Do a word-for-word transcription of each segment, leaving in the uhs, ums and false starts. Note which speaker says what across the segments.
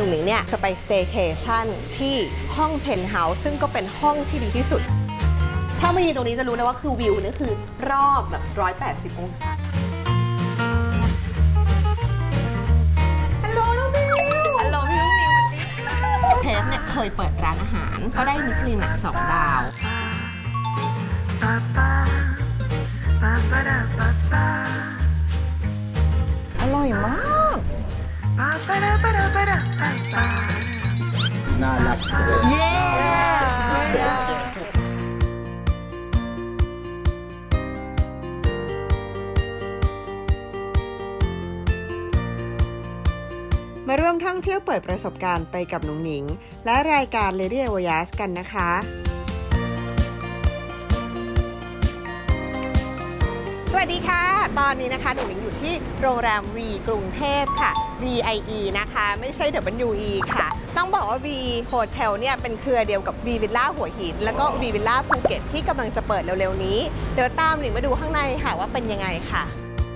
Speaker 1: นุ่งหนิงเนี่ยจะไปสเตย์เคชั่นที่ห้องเพนท์เฮาส์ซึ่งก็เป็นห้องที่ดีที่สุดถ้ามายืนตรงนี้จะรู้เลยว่าคือวิวนี่คือรอบแบบหนึ่งร้อยแปดสิบองศาฮัลโหลน้องบิวฮัลโหลพี่น้องบิวเทฟเนี่ยเคยเปิดร้านอาหารก็ได้มิชลินสองดาวอร่อยมาก
Speaker 2: น่ารัก
Speaker 1: เย้มาร่วมท่องเที่ยวเปิดประสบการณ์ไปกับหนุ่งหนิงและรายการ Lady Voyage กันนะคะสวัสดีค่ะตอนนี้นะคะหนุ่งหนิงอยู่ที่โรงแรม V กรุงเทพค่ะ วี ไอ อี นะคะไม่ใช่ ดับเบิลยู อี ค่ะต้องบอกว่า V Hotel เนี่ยเป็นเครือเดียวกับ V Villa หัวหินแล้วก็ V Villa ภูเก็ตที่กำลังจะเปิดเร็วๆนี้เดี๋ยวตามหนิงมาดูข้างในค่ะว่าเป็นยังไงค่ะ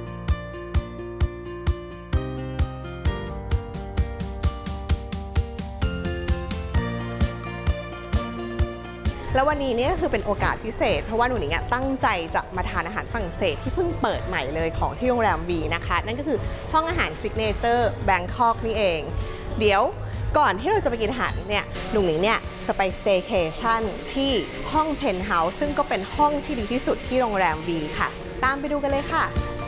Speaker 1: แล้ววันนี้เนี่ยคือเป็นโอกาสพิเศษเพราะว่าหนูหนิงตั้งใจจะมาทานอาหารฝรั่งเศสที่เพิ่งเปิดใหม่เลยของที่โรงแรม V นะคะนั่นก็คือห้องอาหารซิกเนเจอร์แบงคอกนี่เองเดี๋ยวก่อนที่เราจะไปกินอาหารเนี่ยหนูหนิงเนี่ยจะไปสเตย์เคชั่นที่ห้องเพนท์เฮาส์ซึ่งก็เป็นห้องที่ดีที่สุดที่โรงแรม V ค่ะตามไปดูกันเลยค่ะ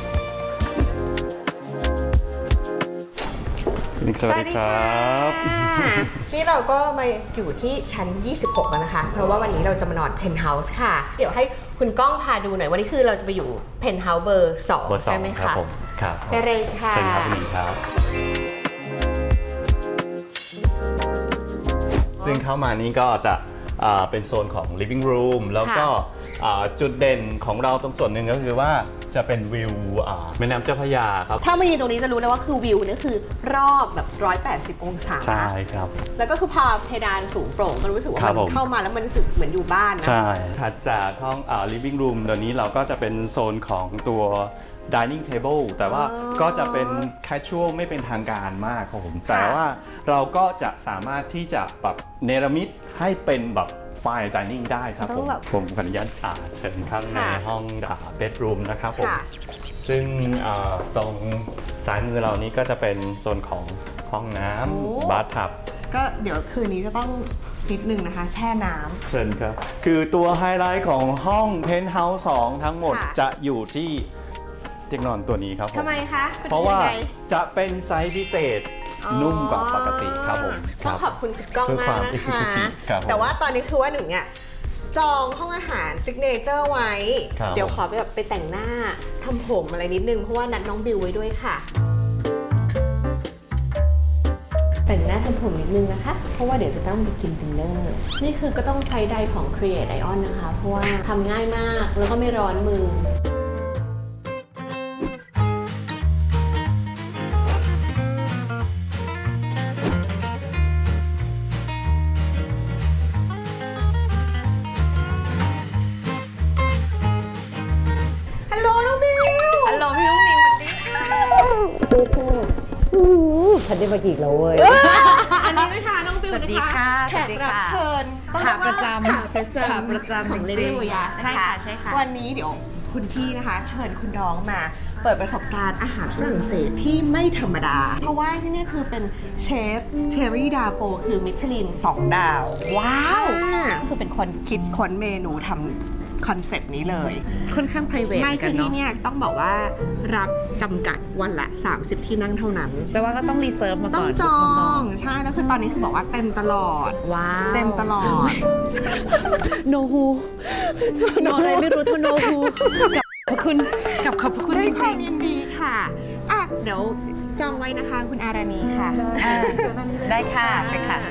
Speaker 3: สวัสดีครับ
Speaker 1: นี่เราก็มาอยู่ที่ชั้นยี่สิบหกแล้วนะคะเพราะว่าวันนี้เราจะมานอนเพนท์เฮาส์ค่ะเดี๋ยวให้คุณก้องพาดูหน่อยวันนี้คือเราจะไปอยู่เพนท์เฮาส์เบอร์สองใช่ไหมคะ
Speaker 3: ผมครับ
Speaker 1: ไปเลยค่ะ
Speaker 3: เชิญครับคุณหญิงครับซึ่งเข้ามานี้ก็จะเป็นโซนของ living room แล้วก็จุดเด่นของเราตรงส่วนหนึ่งก็คือว่าจะเป็นวิวแม่น้ำเจ้าพระยาครับ
Speaker 1: ถ้ามายืนตรงนี้จะรู้เลยว่าคือวิวนี่คือรอบแบบหนึ่งร้อยแปดสิบองศา
Speaker 3: ใช่ครับ
Speaker 1: แล้วก็คือพอเพดานสูงโปร่งก็รู้สึกว่ามันเข้ามาแล้วมันรู้สึกเหมือนอยู่บ้านนะ
Speaker 3: ใช่ถัดจากห้อง living room เดี๋ยวนี้เราก็จะเป็นโซนของตัว dining table แต่ว่าก็จะเป็น casual ไม่เป็นทางการมากครับผมแต่ว่าเราก็จะสามารถที่จะปรับเนรมิตให้เป็นแบบFine Dining ได้ครับผมผมขออนุญาตเชิญข้างในห้อง bedroom นะครับผมซึ่งตรงซ้ายมือเรานี้ก็จะเป็นโซนของห้องน้ำบาร์ทับ
Speaker 1: ก็เดี๋ยวคืนนี้จะต้องนิดนึงนะคะแช่น้ำ
Speaker 3: เชิญครับคือตัวไฮไลท์ของห้อง Penthouse สองทั้งหมดจะอยู่ที่เตียงนอนตัวนี้ครับผม
Speaker 1: ทำไมคะ
Speaker 3: เพราะว่าจะเป็นไซส์พิเศษนุ่มกว่าปกติครับผม
Speaker 1: ต้องขอบคุณคุณก้องมากนะคะแต่ว่าตอนนี้คือว่าหนึ่งเนี่ยจองห้องอาหารซิกเนเจอร์ไว้เดี๋ยวขอไปแบบไปแต่งหน้าทำผมอะไรนิดนึงเพราะว่านัดน้องบิวไว้ด้วยค่ะแต่งหน้าทำผมนิดนึงนะคะเพราะว่าเดี๋ยวจะต้องไปกินดินเนอร์นี่คือก็ต้องใช้ไดร์ของ Create Ion นะคะเพราะว่าทำง่ายมากแล้วก็ไม่ร้อนมือ
Speaker 4: ฉันได้มากี่แล้วเว้ย
Speaker 1: อันนี้นะคะน้องบิวนะคะแขกรับเชิญ
Speaker 4: ขาประจำ
Speaker 1: ขาประจำ
Speaker 4: ขาประจำ
Speaker 1: ของ Lady Voyage ใช่ค่ะใช่ค่ะวันนี้เดี๋ยวคุณพี่นะคะเชิญคุณน้องมาเปิดประสบการณ์อาหารฝรั่งเศสที่ไม่ธรรมดาเพราะว่าที่นี่คือเป็นเชฟเทอรี่ดาโปคือมิชลินสองดาวว้าวคือเป็นคนคิดค้นเมนูทำคอนเซปต์นี้เลย
Speaker 4: ค่อนข้าง private
Speaker 1: ไม่คือที่เนี่ยต้องบอกว่ารับจำกัดวันละสามสิบที่นั่งเท่านั้น
Speaker 4: แปลว่าก็ต้องรีเซิร์ฟมาก่อน
Speaker 1: ต้องจองใช่แล้วคือตอนนี้คือบอกว่าเต็มตลอด
Speaker 4: ว้าว
Speaker 1: เต็มตลอด
Speaker 4: no who no อะไรไม่รู้เท่า no who กับขอบคุณกับขอบคุณ
Speaker 1: ด้วยความยินดีค่ะอ่ะเดี๋ยวจองไว้นะคะคุณอาราณีค่ะ
Speaker 4: ได้ค่ะไปค่ะ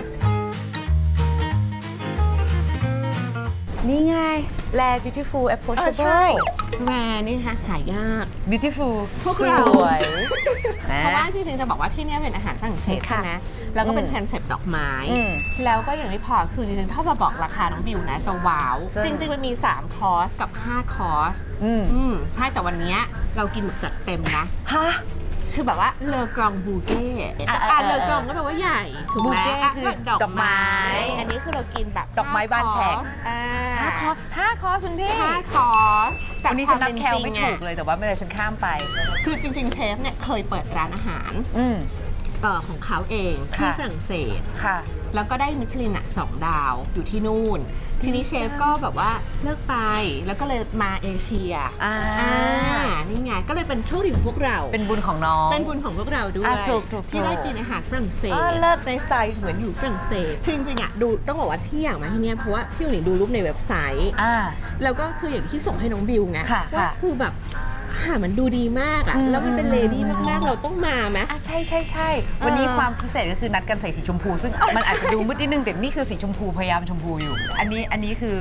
Speaker 4: นี่ไงแล beautiful approachable
Speaker 1: แรนี่นะคะหายาก
Speaker 4: beautiful
Speaker 1: พวกเรา
Speaker 4: สวย
Speaker 1: เพราะว่าจริงๆจะบอกว่าที่นี่เป็นอาหารฝรั่งเศสใช่ไหมแล้วก็เป็นคอนเซปต์ดอกไม้แล้วก็อย่างที่พอคือจริงๆถ้ามาบอกราคาน้องบิวนะจะว้าวจริงๆมันมีสามคอร์สกับห้าคอร์สอืมใช่แต่วันนี้เรากินแบบจัดเต็มนะ
Speaker 4: ฮะ
Speaker 1: ใช่คือแบบว่าเลอกรองบูเก้
Speaker 4: อ่ะ
Speaker 1: อ่ะเลอกรองก็แปลว่าใหญ่ถูกไหม
Speaker 4: บูเก้
Speaker 1: อ่ะ
Speaker 4: คือ
Speaker 1: ก็ดอก
Speaker 4: ดอกไม้
Speaker 1: ไม้อันนี้คือเรากินแบบ
Speaker 4: ดอกไม้บานแฉก
Speaker 1: อ่า
Speaker 4: ห้าคอร์สห้าคอร์สคุณพี่
Speaker 1: ห้าคอร์สแต่
Speaker 4: วันนี้
Speaker 1: ค
Speaker 4: ฉั
Speaker 1: วาน ม
Speaker 4: นับ
Speaker 1: เป็น
Speaker 4: แคล
Speaker 1: จริง
Speaker 4: ไม่
Speaker 1: อ่ะ
Speaker 4: ถูกเลยแต่ว่าไม่เป็นไรฉันข้ามไป
Speaker 1: คือจริงๆเชฟเนี่ยเคยเปิดร้านอาหาร
Speaker 4: อืม
Speaker 1: เอ่อของเขาเองที่
Speaker 4: ค่ะ
Speaker 1: ฝรั่งเศส
Speaker 4: ค่ะ
Speaker 1: แล้วก็ได้มิชลินอ่ะสองดาวอยู่ที่นู่น ทีนี้เชฟก็แบบว่าเลิกไปแล้วก็เลยมาเอเชีย
Speaker 4: อ่า
Speaker 1: นี่ไงก็เลยเป็นโชคดีของพวกเรา
Speaker 4: เป็นบุญของน้อง
Speaker 1: เป็นบุญของพวกเราด้วย
Speaker 4: อ่ะถูกถูก
Speaker 1: ที่
Speaker 4: ถูก
Speaker 1: ได้กินอาหารฝรั่งเศส
Speaker 4: อ่าเลิศ
Speaker 1: ในสไตล์เหมือนอยู่ฝรั่งเศสคือจริงๆอ่ะดูต้องบอกว่าที่อยากมาที่เนี่ยเพราะว่าพี่หนิงดูรูปในเว็บไซต์
Speaker 4: อ่า
Speaker 1: แล้วก็คืออย่างที่ส่งให้น้องบิวไง
Speaker 4: ค่ะ
Speaker 1: ว่า
Speaker 4: ค่ะ
Speaker 1: คือแบบอาหารมันดูดีมากอ่ะ
Speaker 4: อืม
Speaker 1: แล้วมันเป็นเลดี้มากๆเราต้องมาไหม
Speaker 4: อ่ะใช่ใช่ใช่วันนี้
Speaker 1: เออ
Speaker 4: ความพิเศษก็คือนัดกันใส่สีชมพู ซึ่งมันอาจจะดูมืดนิดนึงแต่นี่คือสีชมพูพยายามชมพูอยู่ อันนี้อันนี้คือ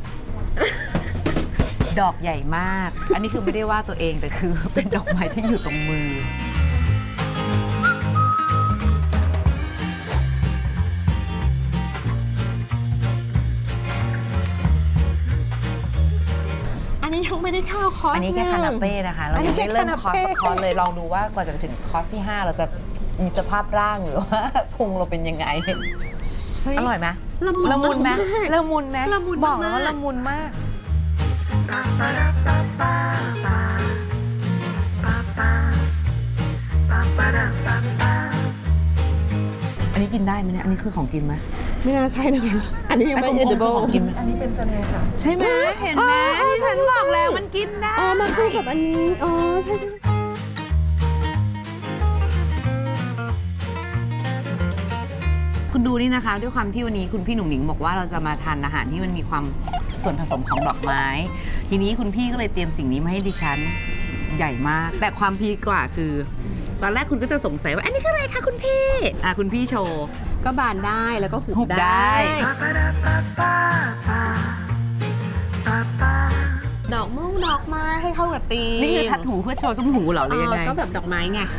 Speaker 4: ดอกใหญ่มาก อันนี้คือไม่ได้ว่าตัวเองแต่คือ เป็นดอกไม้ที่อยู่ตรงมือ
Speaker 1: อันนี้ยังไม่ได้เข้าคอร์ส
Speaker 4: อันนี้แค่คานาเป้นะคะ เรา
Speaker 1: อันนี้
Speaker 4: ยังไม่เริ่ม
Speaker 1: แค่
Speaker 4: คอร์ส
Speaker 1: คานาเป้
Speaker 4: สักคอร์สเลยลองดูว่ากว่าจะไปถึงคอร์สที่ ห้า เราจะมีสภาพร่างหรือว่า พุงเราเป็นยังไง
Speaker 1: เฮ้ย
Speaker 4: อร่อยไหม
Speaker 1: ละมุน
Speaker 4: ละมุนไหม
Speaker 1: มาก
Speaker 4: ละมุนไหม
Speaker 1: ละมุน
Speaker 4: บอกแล้ว
Speaker 1: มาก
Speaker 4: ว่าละมุนมาก อันนี้กินได้ไหมเนี่ย อันนี้คือของกินไหม
Speaker 1: ไม่น่าใช่นะคะอันนี้ยังไม่
Speaker 4: ไอ้กลมๆคือ
Speaker 1: edible
Speaker 4: ของกินไหมอันนี้เป็นเสน่ห์ค่ะ ใช่ไหมเห็นไหม
Speaker 1: อ๋อ
Speaker 4: ที่ฉันบอกแล้วมันกินได้
Speaker 1: อ๋อมันคือกับอันนี้อ๋อใช่ใช่
Speaker 4: คุณดูนี่นะคะ ด้วยความที่วันนี้คุณพี่หนุ่งหนิงบอกว่าเราจะมาทานอาหารที่มันมีความส่วนผสมของดอกไม้ ทีนี้คุณพี่ก็เลยเตรียมสิ่งนี้มาให้ดิฉันใหญ่มาก แต่ความพีคกว่าคือ ตอนแรกคุณก็จะสงสัยว่าอันนี้คืออะไรคะคุณพี่อ่ะคุณพี่โชว์
Speaker 1: ก็บานได้แล้วก็หุบ
Speaker 4: หุบได้
Speaker 1: ดอกม่วงดอกไม้ให้เข้ากับตีม
Speaker 4: นี่คือทัดหูเพื่อโชว์จมูกหูเหรอหรือยังไง
Speaker 1: เออก็แบบดอกไม้ไง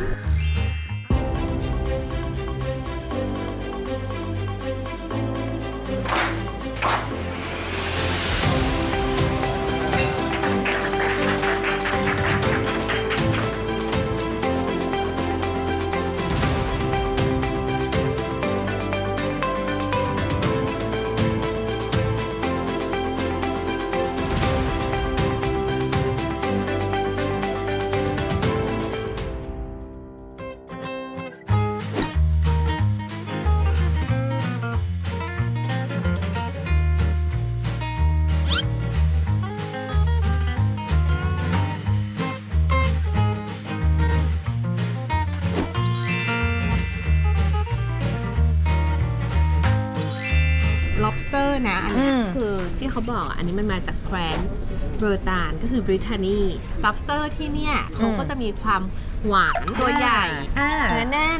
Speaker 1: lobster นะ อันนี้
Speaker 4: อืม
Speaker 1: คือที่เขาบอกอ่ะอันนี้มันมาจากแคว้นเบอร์ตานก็คือบริทานี lobster ที่เนี่ยเขาก็จะมีความหวานตัวใหญ่
Speaker 4: อ่า
Speaker 1: เนื้อแน่น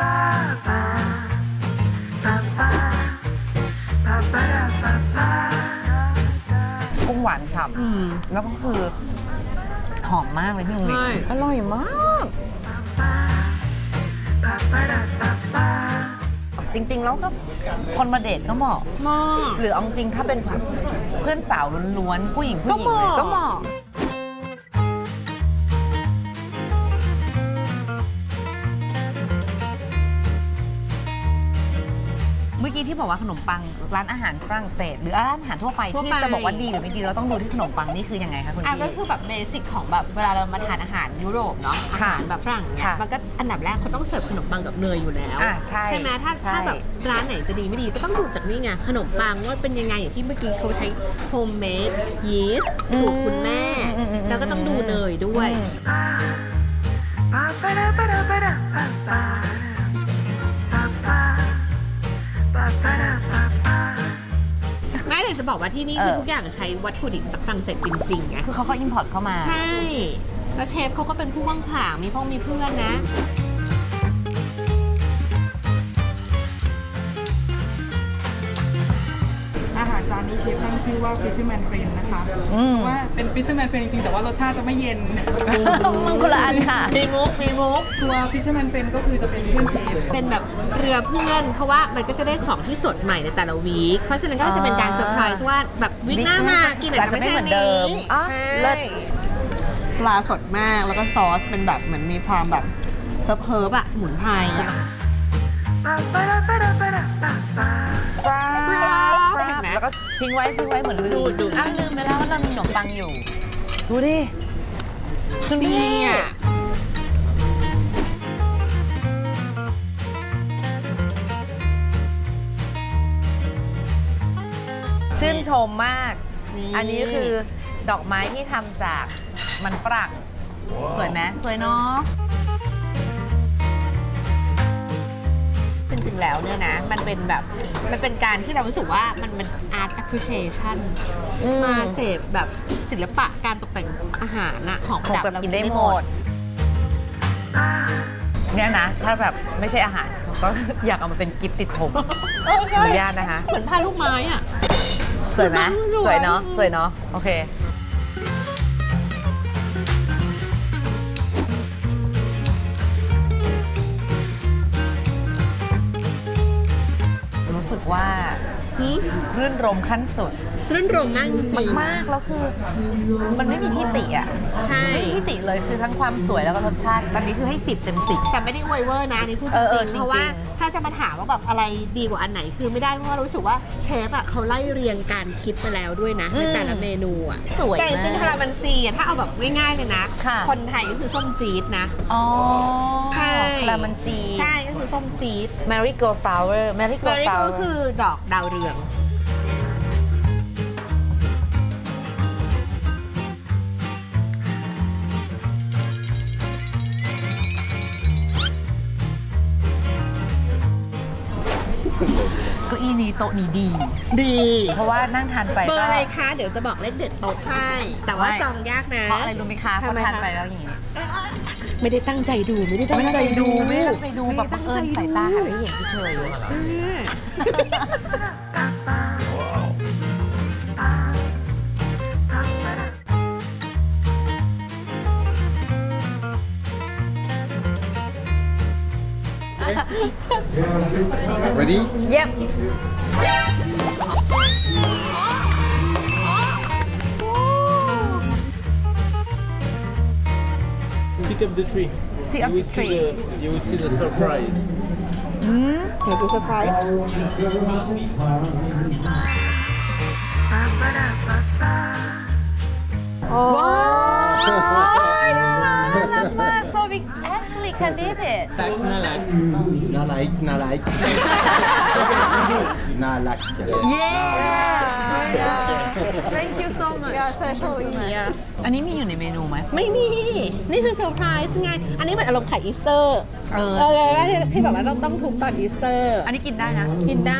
Speaker 4: กุ้งหวานฉ่
Speaker 1: อืม
Speaker 4: ำแล้วก็คือหอมมากเลยพี่หนุ่งหนิง
Speaker 1: ใช่
Speaker 4: อร่อยมาก จริงๆ แล้วก็คนมาเดทก็เหมาะ
Speaker 1: มาก
Speaker 4: หรือเอาจริงๆถ้าเป็นแบบเพื่อนสาวล้วนๆผู้หญิงผู้หญิง
Speaker 1: ก็เหมาะ
Speaker 4: เลยก็เหมาะเมื่อกี้ที่บอกว่าขนมปังร้านอาหารฝรั่งเศส หรือร้านอาหารทั่วไป
Speaker 1: ทั่ว
Speaker 4: ที่
Speaker 1: ไป
Speaker 4: จะบอกว่าดีหรือไม่ดีเราต้องดูที่ขนมปังนี่คือยังไงคะคุณ
Speaker 1: อ่ะ
Speaker 4: พี่
Speaker 1: ก็คือแบบเบสิกของแบบเวลาเรามาทานอาหารยุโรปเนาะอา
Speaker 4: ค่ะ
Speaker 1: หารแบบฝรั่งเนี่ย
Speaker 4: ค่ะ
Speaker 1: มันก็อันดับแรกเขาต้องเสิร์ฟขนมปังกับเนยอยู่แล้ว
Speaker 4: อ่ะใช่
Speaker 1: ไหมถ้า
Speaker 4: ใช่
Speaker 1: ถ้าแบบร้านไหนจะดีไม่ดีก็ต้องดูจากนี่ไงขนมปังว่าเป็นยังไงอย่างที่เมื่อกี้เขาใช้โฮมเมดยีสต์สูตรคุณแม่
Speaker 4: อืมอืมอืม
Speaker 1: แล้วก็ต้องดูเนยด้วย
Speaker 4: อืม
Speaker 1: แม่เลยจะบอกว่าที่นี่คือทุกอย่างใช้วัตถุดิบจากฝรั่งเศสจริงๆไง
Speaker 4: คือเขาก็อิมพอร์ตเข้ามา
Speaker 1: ใช่ แล้วเชฟเขาก็เป็นผู้ว่างผางมีพ่อมีเพื่อนนะ
Speaker 2: อาหารจานนี้เชฟตั้งชื่อว่า Fisherman Friend นะคะ
Speaker 4: อืม
Speaker 2: เพราะว่าเป็น Fisherman Friend จริงๆ แต่ว่ารสชาติจะไม่เย็น
Speaker 4: มันคนละอันค่ะ
Speaker 1: มีมุกมีมุก
Speaker 2: ตัว Fisherman Friend ก็คือจะเป็นเพื่อนเชฟ
Speaker 1: เป็นแบบเรือเพื่อน เพราะว่ามันก็จะได้ของที่สดใหม่ในแต่ละวีค เพราะฉะนั้นก็จะเป็นการเซอร์ไพรส์ว่าแบบวีคหน้ามากิน
Speaker 4: อาจจะไม่เหมือนเดิมอ๋อ
Speaker 1: ใช่
Speaker 4: เลิศ
Speaker 1: ปลาสดมากแล้วก็ซอสเป็นแบบเหมือนมีความแบบหเพิร์บๆอะสมุนไพรอะ เห็นไหม
Speaker 4: แล้วก็ทิ้งไว้ทิ้งไว้เหมือนลืม
Speaker 1: ดูดู
Speaker 4: อ้าวลืมไปแล้วว่าเรามีขนมปังอยู่ ดูดิ
Speaker 1: คือนี่อะ
Speaker 4: ชื่นชมมาก อันนี้คือดอกไม้ที่ทำจากมันฝรั่ง สวยไหมสวยเนาะ
Speaker 1: จริงๆแล้วเนี่ยนะ มันเป็นแบบ มันเป็นการที่เรารู้สึกว่ามันมัน art appreciation
Speaker 4: อืม
Speaker 1: มาเสพแบบศิลปะการตกแต่งอาหารอะของ
Speaker 4: ของ
Speaker 1: ประดับ
Speaker 4: แบบ
Speaker 1: เรา
Speaker 4: กินได้หมด เนี่ยนะ ถ้าแบบไม่ใช่อาหารเขาก็ อยากเอามาเป็นกิฟต์ติดผม
Speaker 1: เออ
Speaker 4: อ
Speaker 1: ใช่
Speaker 4: นุญาตนะคะ
Speaker 1: เหมือนผ้าลูกไม้อะ
Speaker 4: สวยไหม
Speaker 1: สวย
Speaker 4: สวยเนาะสวยเนาะโอเค รู้สึกว่า
Speaker 1: หืม
Speaker 4: รื่นรมขั้นสุด
Speaker 1: รื่นรมมากจริงๆ
Speaker 4: มากๆแล้วคือ มันไม่มีที่ติอ่ะ
Speaker 1: ใช่
Speaker 4: ไม่มีที่ติเลยคือทั้งความสวยแล้วก็รสชาติ ตอนนี้คือให้สิบเต็มสิบ
Speaker 1: แต่ไม่ได้อวยเวอร์นะอันนี่พูดจ
Speaker 4: เออเอ
Speaker 1: ริ
Speaker 4: อง จริงๆ
Speaker 1: ๆเพราะว่าถ้าจะมาถามว่าแบบอะไรดีกว่าอันไหนคือไม่ได้เพราะว่ารู้สึกว่าเชฟอ่ะเขาไล่เรียงการคิดมาแล้วด้วยนะในแต่ละเมนูอ่ะ
Speaker 4: สวย
Speaker 1: แต่จริงๆ
Speaker 4: มาก
Speaker 1: คาราบันซีอ่ะถ้าเอาแบบง่ายๆเลยนะ
Speaker 4: ค่ะ
Speaker 1: คนไทยก็คือส้มจี๊ดนะ
Speaker 4: อ๋อ
Speaker 1: ใช่
Speaker 4: คารามันจี
Speaker 1: ใช่ก็คือส้มจี๊ด
Speaker 4: Marigold flower
Speaker 1: แม
Speaker 4: Marigold
Speaker 1: รี่ก็
Speaker 4: flower
Speaker 1: คือดอกดาวเรือง
Speaker 4: เก้าอี้นี้โต๊ะนี้ดี
Speaker 1: ดี
Speaker 4: เพราะว่านั่งทานไป
Speaker 1: เบอ
Speaker 4: ก็
Speaker 1: ร์อะไรคะ เดี๋ยวจะบอกเลขเด็ดโต๊ะให้แต่ว่า
Speaker 4: ไม่
Speaker 1: จองยากนะ
Speaker 4: เพราะอะไรรู้ไหมคะเพ
Speaker 1: ทำ
Speaker 4: ราะ
Speaker 1: ไม
Speaker 4: ทาน
Speaker 1: คะ
Speaker 4: ไปแล้วอย่างนี้
Speaker 1: ไม่ได้ตั้งใจดูไม่ได้ตั้ง
Speaker 4: ไม่ได้
Speaker 1: ใจ
Speaker 4: ตั้งใจ
Speaker 1: ดู
Speaker 4: ดูไม่ได้ตั้งใจดูแบบบังเอิญ
Speaker 1: ไม่ได้
Speaker 4: สาย
Speaker 1: ตั้งใจ
Speaker 4: ตาหันไปเห็นเฉย
Speaker 5: Ready?
Speaker 4: เย็บ
Speaker 6: Pick up the tree.
Speaker 4: Pick
Speaker 6: you
Speaker 4: up
Speaker 6: will
Speaker 4: the
Speaker 6: see
Speaker 4: tree.
Speaker 6: The, you will see the surprise.
Speaker 1: เดี๋ยวดูเซอร์ไพรส์ โอ้
Speaker 4: ว้ายน่ารักน่ารักมาก so we actually can did it
Speaker 6: Tak nalak.
Speaker 5: Na like, na like. Na like.
Speaker 4: yeah thank you so much
Speaker 1: ยาเซอร์โชว์อีอ่ะ
Speaker 4: อันนี้มีอยู่ในเมนูไหม
Speaker 1: ไม่มี นี่คือเซอร์ไพรส์ไง อันนี้เหมือนอารมณ์ไข่อีสเตอร์
Speaker 4: เออ
Speaker 1: เออที่ที่แบบว่าต้องต้องทุบตอนอีสเตอร์
Speaker 4: อันนี้กินได้นะ
Speaker 1: กินได้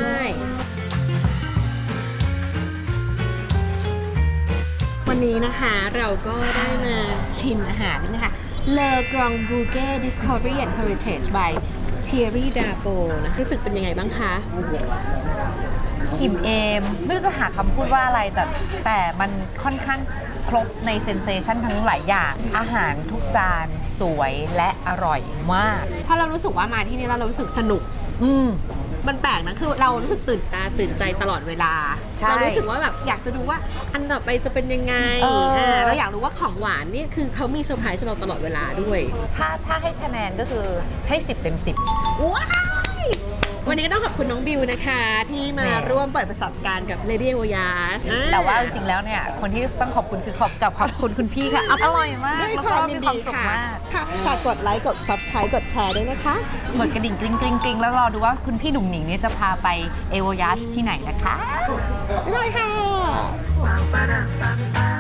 Speaker 1: วันนี้นะคะเราก็ได้มาชิมอาหารนี่นะคะ Le Grand Bouquet Discovery and Heritage by Thierry Dapo นะรู้สึกเป็นยังไงบ้างคะ
Speaker 4: อิ่มเอม ไม่รู้จะหาคำพูดว่าอะไรแต่แต่มันค่อนข้างครบในเซนเซชันทั้งหลายอย่าง อาหารทุกจานสวยและอร่อยมาก
Speaker 1: เพราะเรารู้สึกว่ามาที่นี่แล้วเรารู้สึกสนุก
Speaker 4: อืม
Speaker 1: มันแปลกนะ คือเรารู้สึกตื่นตาตื่นใจตลอดเวลา
Speaker 4: ใช่
Speaker 1: เรารู้สึกว่าแบบอยากจะดูว่าอันต่อไปจะเป็นยังไง
Speaker 4: เอออ่
Speaker 1: าเราอยากรู้ว่าของหวานเนี่ยคือเขามีเซอร์ไพรส์เราตลอดเวลาด้วย
Speaker 4: ถ้าถ้าให้คะแนนก็คือให้สิบเต็มสิบ
Speaker 1: ว้ายวันนี้ก็ต้องขอบคุณน้องบิวนะคะ ที่มา
Speaker 4: แหม
Speaker 1: ร่วมเปิดประสบการณ์กับ Lady Voyage อ่
Speaker 4: แต่ว่าจริงๆแล้วเนี่ย คนที่ต้องขอบคุณคือขอบกับขอบคุณคุณพี่ค่ะ อร่อยมาก
Speaker 1: ด้วย
Speaker 4: แล้ว
Speaker 1: ค
Speaker 4: ก็
Speaker 1: วามยิ
Speaker 4: มี
Speaker 1: น
Speaker 4: ความ
Speaker 1: ดี
Speaker 4: สุข
Speaker 1: ค่ะ
Speaker 4: มาก
Speaker 1: ค่ะฝากกดไลค์ กด Subscribe กดแชร์ด้วยนะคะ
Speaker 4: กดกระดิ่งกริ๊งกริ๊งกริ๊งแล้วรอดูว่าคุณพี่หนุ่มหนิงเนี่ยจะพาไปเอโวยาชที่ไหนนะคะ
Speaker 1: บ๊ายบายค่ะ